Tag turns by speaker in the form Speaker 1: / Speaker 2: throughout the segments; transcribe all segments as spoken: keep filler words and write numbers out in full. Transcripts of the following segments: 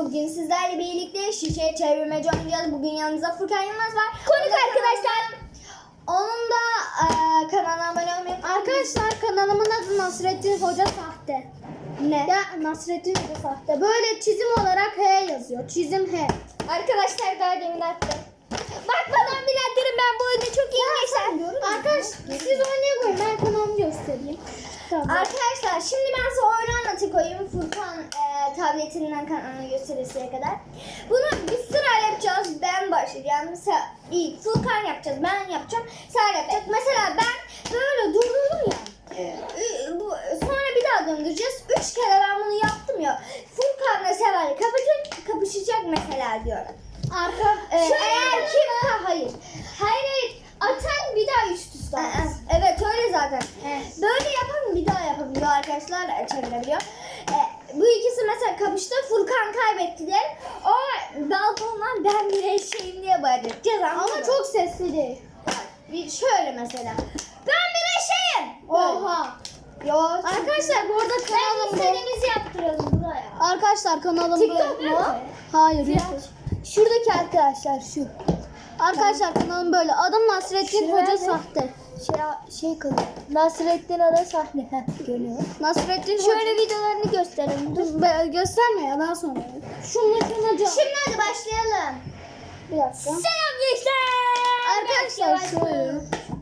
Speaker 1: Bugün sizlerle birlikte şişe çevirmece oynayacağız. Bugün yanımızda Furkan Yılmaz var. Konuk arkadaşlar. Onun da e, kanalına abone olmayı.
Speaker 2: Arkadaşlar kanalımın adı Nasrettin Hoca Sahte.
Speaker 1: Ne?
Speaker 2: Ya Nasrettin Hoca Sahte. Böyle çizim olarak H yazıyor. Çizim H.
Speaker 1: Arkadaşlar daha demin attım. Bakmadan biraderim, ben bu oyunu çok iyi geçer.
Speaker 2: Arkadaşlar siz oynaya koyun, ben kanalımı göstereyim. Tamam.
Speaker 1: Arkadaşlar şimdi ben size oyunu anlatayım koyayım. Furkan e, tabletinden kanalını gösterisiye kadar. Bunu bir sırayla yapacağız. Ben başlayacağım. Mesela ilk Furkan yapacağız. Ben yapacağım. Sen yapacak. Mesela ben böyle durdurdum ya. Ü- bu- Sonra bir daha döndüreceğiz. Üç kere ben bunu yaptım ya. Furkan'la Seval kapışacak, kapışacak mesela diyorum.
Speaker 2: Arka
Speaker 1: Ee, eğer kim ha, hayır. Hayır hayır. Atan bir daha üst üste alsın. Evet öyle zaten.
Speaker 2: Evet.
Speaker 1: Böyle yapan bir daha yapabiliyor arkadaşlar, çevirebiliyor. Ee, bu ikisi mesela kapıştı. Furkan kaybetti diye. O balkondan ben bir eşeğim diye bağıracağız.
Speaker 2: ama çok sesli değil.
Speaker 1: Bir şöyle mesela. Ben bir eşeğim.
Speaker 2: Oha.
Speaker 1: Yok.
Speaker 2: Arkadaşlar bu arada kanalım bu.
Speaker 1: istediğimizi yaptıralım buraya.
Speaker 2: Arkadaşlar kanalım
Speaker 1: TikTok
Speaker 2: bu.
Speaker 1: mu?
Speaker 2: Hayır. YouTube. Şuradaki arkadaşlar şu. Arkadaşlar kanalım böyle. Adım Nasrettin
Speaker 1: Şuraya
Speaker 2: Hoca
Speaker 1: ne?
Speaker 2: Sahte.
Speaker 1: Şey, şey kılıyor. Nasrettin Ada sahne. Heh, görüyor.
Speaker 2: Nasrettin
Speaker 1: Şöyle
Speaker 2: Hoca.
Speaker 1: videolarını gösterelim. Dur.
Speaker 2: Dur, be- gösterme ya, daha sonra. Şunu kılacağım.
Speaker 1: Şimdi hadi başlayalım.
Speaker 2: Bir dakika.
Speaker 1: Selam gençler.
Speaker 2: Arkadaşlar şöyle.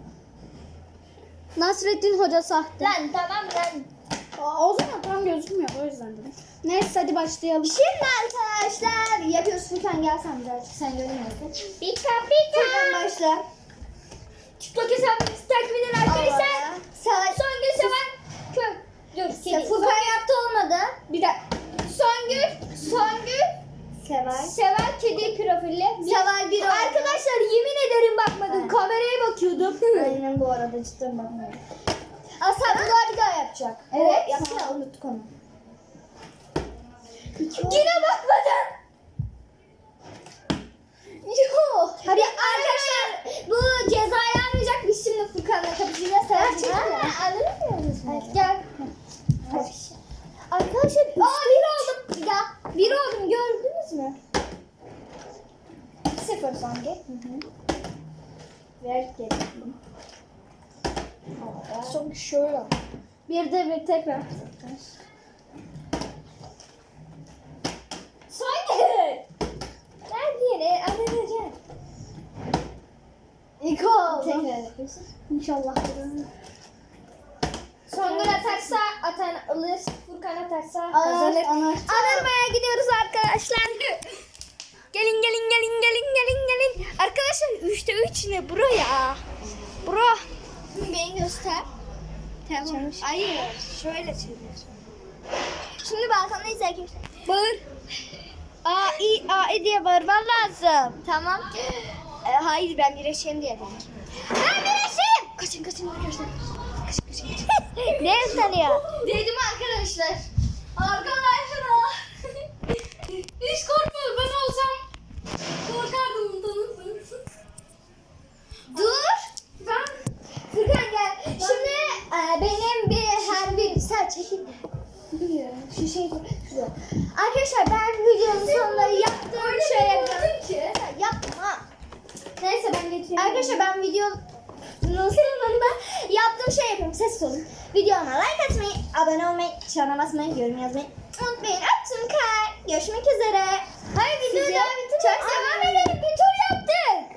Speaker 2: Nasrettin Hoca Sahte.
Speaker 1: Lan tamam lan.
Speaker 2: Aa, o zaman tam gözükmüyor, o yüzden dedim. Neyse hadi başlayalım.
Speaker 1: Şimdi arkadaşlar yapıyoruz. Furkan gel sen birazcık, sen görünmüyorsun. Pika pika. Furkan başla. TikTok hesabımızı takip edin arkadaşlar. Sen Songül Seven Kök. Dur. Sen Furkan yaptı olmadı. Bir dakika. Songül. Songül. Seval. Seval kedi profili. Seval bir arkadaşlar yemin ederim bakmadım. Evet. Kameraya bakıyordum. Aynen bu arada cidden bakmıyorum. Aslan bu daha bir daha yapacak. Evet. Yaptı ya, unuttuk onu. Yine bakmadın. Yok. Hadi arkadaşlar bu cezayı almayacak. Biz şimdi Furkan'la kapışacağız. Gerçekten. Alır mıyız? Gel. Hadi. Arkadaşlar aa bir oldum. Bir daha. Bir oldum, gördünüz mü? Sıfır sanki. Hı hı. Ver geri. Son şöyle. Bir de bir tekrar. Son geri. Ver diğeri. Alınacak. İlk oldu. Tekrar yapıyorsun.
Speaker 2: İnşallah.
Speaker 1: Songül atarsa atan alır, Furkan atarsa
Speaker 2: Alır,
Speaker 1: kazanır.
Speaker 2: alır.
Speaker 1: Anırmaya gidiyoruz arkadaşlar. Gelin gelin gelin gelin gelin gelin. Arkadaşlar üçte üç ne bro ya? Bro. Beni göster. Tamam. Hayır. Şöyle çevir. Şimdi balkondayız arkadaşlar. Bağır. A, I, A, E diye bağırman lazım. Tamam. Ee, hayır ben bir eşeğim diye dedim. Ben bir eşeğim. Kaçın kaçın arkadaşlar. Kaçın kaçın kaçın. Ne sanıyor? Dedim arkadaşlar. Arkadaşlar. Hiç korkmadım, ben olsam korkardım bundan. Dur. Ben. Furkan gel. Şimdi e, benim bir her bir sen çekil. Biliyorum. Şu şey şurada. Arkadaşlar ben videonun sonunda yaptığım şey yapacağım. Yapma. Neyse ben geçeyim. Arkadaşlar ben videonun sonunda yaptığım şey yapıyorum. Ses olun. Videoma like atmayı, abone olmayı, çana basmayı, yorum yazmayı unutmayın.